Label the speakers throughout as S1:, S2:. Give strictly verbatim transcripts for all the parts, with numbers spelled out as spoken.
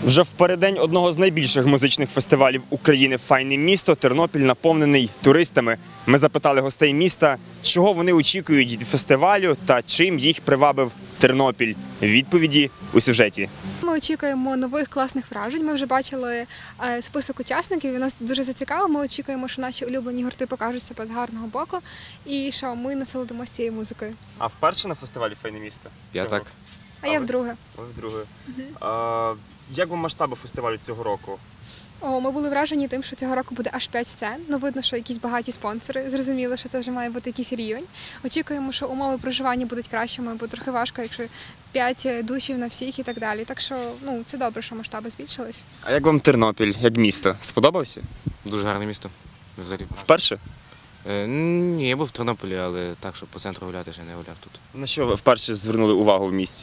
S1: Вже в переддень одного з найбільших музичних фестивалів України «Файне місто» Тернопіль наповнений туристами. Ми запитали гостей міста, чого вони очікують від фестивалю та чим їх привабив Тернопіль. Відповіді у сюжеті.
S2: Ми очікуємо нових класних вражень. Ми вже бачили список учасників, він нас дуже зацікавив. Ми очікуємо, що наші улюблені гурти покажуть себе з гарного боку і що ми насолодимося цією музикою.
S1: А вперше на фестивалі «Файне місто»?
S3: Я так.
S2: А, а я вдруге.
S1: Ви вдруге. Угу. А, як вам масштаби фестивалю цього року?
S2: О, ми були вражені тим, що цього року буде аж п'ять сцен. Ну, видно, що якісь багаті спонсори. Зрозуміло, що це вже має бути якийсь рівень. Очікуємо, що умови проживання будуть кращими, бо трохи важко, якщо п'ять душів на всіх і так далі. Так що, ну, це добре, що масштаби збільшились.
S1: А як вам Тернопіль, як місто? Сподобався?
S3: Дуже гарне місто. Взагалі.
S1: Вперше?
S3: Е, ні, я був в Тернополі, але так, щоб по центру гуляти, ще не гуляв тут.
S1: На що ви вперше звернули увагу в місті?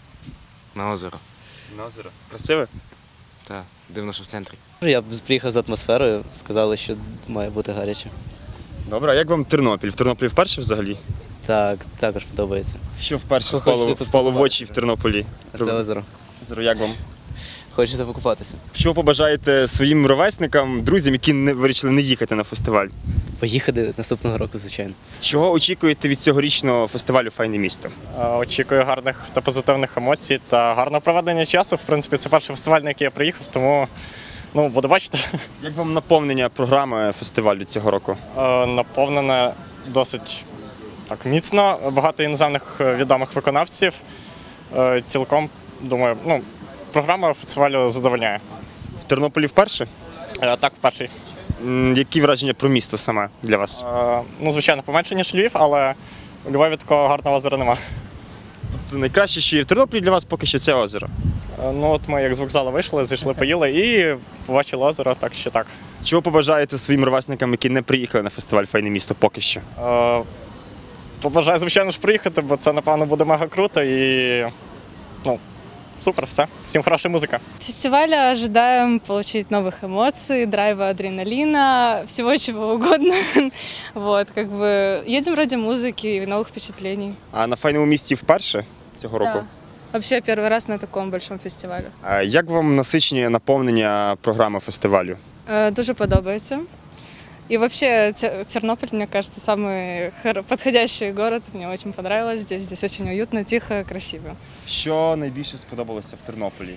S3: На озеро.
S1: На озеро. Красиве?
S3: Так, дивно, що в центрі.
S4: Я приїхав з атмосферою, сказали, що має бути гаряче.
S1: Добре, а як вам Тернопіль? В Тернополі вперше взагалі?
S4: Так, також подобається.
S1: Що вперше
S4: Що
S1: впало,
S4: хочете тут
S1: впало в
S4: побачити?
S1: очі в Тернополі?
S4: Це озеро.
S1: Озеро, як вам?
S4: Хочеться покупатися.
S1: Що побажаєте своїм ровесникам, друзям, які не вирішили не їхати на фестиваль?
S4: Поїхати наступного року, звичайно.
S1: Чого очікуєте від цьогорічного фестивалю «Файне місто»?
S5: Очікую гарних та позитивних емоцій та гарного проведення часу. В принципі, це перший фестиваль, на який я приїхав, тому ну, буду бачити.
S1: Як вам наповнення програми фестивалю цього року?
S5: Наповнене досить так міцно, багато іноземних відомих виконавців. Цілком, думаю, ну, програма фестивалю задовольняє.
S1: В Тернополі вперше?
S5: Так, вперший.
S1: М, Які враження про місто саме для вас?
S5: Ну, звичайно, поменше, ніж Львів, але у Львові такого гарного озера нема.
S1: Тобто найкраще, що є в Тернополі для вас поки що це озеро.
S5: Ну, от ми як з вокзалу вийшли, зайшли, поїли і побачили озеро, так що так.
S1: Чого побажаєте своїм ровесникам, які не приїхали на фестиваль «Файне місто» поки що?
S5: Е, Побажаю, звичайно ж, приїхати, бо це, напевно, буде мега круто і ну, супер, все. Всім хороша музика.
S6: От фестиваля ожидаем получить новых эмоций, драйва, адреналина, всего чего угодно. Вот, как бы едем ради музыки и новых впечатлений.
S1: А на «Файному місті» вперше цього року?
S6: Да. Вообще первый раз на таком большом фестивалі.
S1: А як вам насичення наповнення програми фестивалю?
S6: Е, Дуже подобається. И вообще Те- Тернополь, мне кажется, самый хор- подходящий город. Мне очень понравилось здесь. Здесь очень уютно, тихо, красиво.
S1: Що найбільше сподобалося в Тернополі?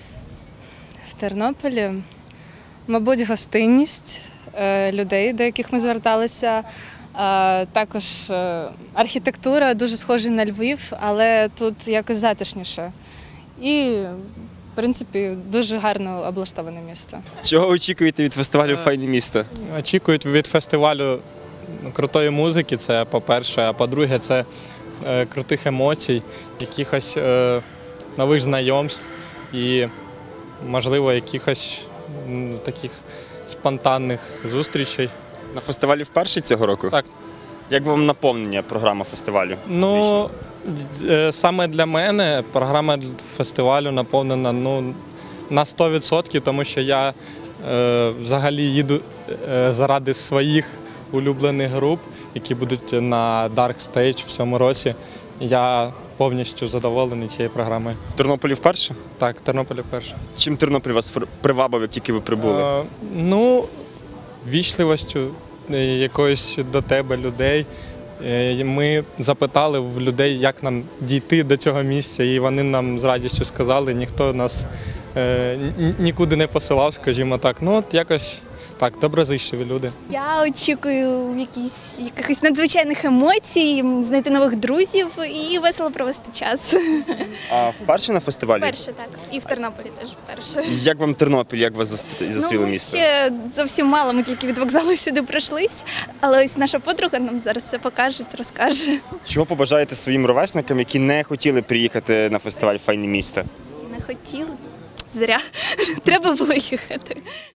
S6: В Тернополі, мабуть, гостинність е, людей, до яких ми зверталися. Е, Також е, архітектура дуже схожа на Львів, але тут якось затишніше. І, в принципі, дуже гарно облаштоване місто.
S1: Чого очікуєте від фестивалю «Файне місто»?
S7: Очікують від фестивалю крутої музики, це по-перше, а по-друге, це е, крутих емоцій, якихось е, нових знайомств і, можливо, якихось м, таких спонтанних зустрічей.
S1: На фестивалі вперше цього року?
S7: Так.
S1: Як вам наповнення програми фестивалю?
S7: Ну, е, саме для мене програма фестивалю наповнена ну, на сто відсотків, тому що я е, взагалі їду е, заради своїх улюблених груп, які будуть на Dark Stage в цьому році. Я повністю задоволений цією програмою.
S1: В Тернополі вперше?
S7: Так, Тернополі перше.
S1: Чим Тернопіль вас привабив, як тільки ви прибули?
S7: Е, ну, вічливостю е, якоюсь до тебе людей. Е, Ми запитали в людей, як нам дійти до цього місця, і вони нам з радістю сказали, ніхто нас е, ні- нікуди не посилав, скажімо так. Ну, от якось так, доброзичливі люди.
S8: Я очікую якісь, якихось надзвичайних емоцій, знайти нових друзів і весело провести час.
S1: А вперше на фестивалі?
S8: Перше, так. І в Тернополі теж вперше.
S1: Як вам Тернопіль, як вас зас- зустріло
S8: ми
S1: місто?
S8: ще зовсім мало, ми тільки від вокзалу сюди пройшлись, але ось наша подруга нам зараз все покаже, розкаже.
S1: Чого побажаєте своїм ровесникам, які не хотіли приїхати на фестиваль «Файне місто»?
S8: Не хотіли. Зря. Треба було їхати.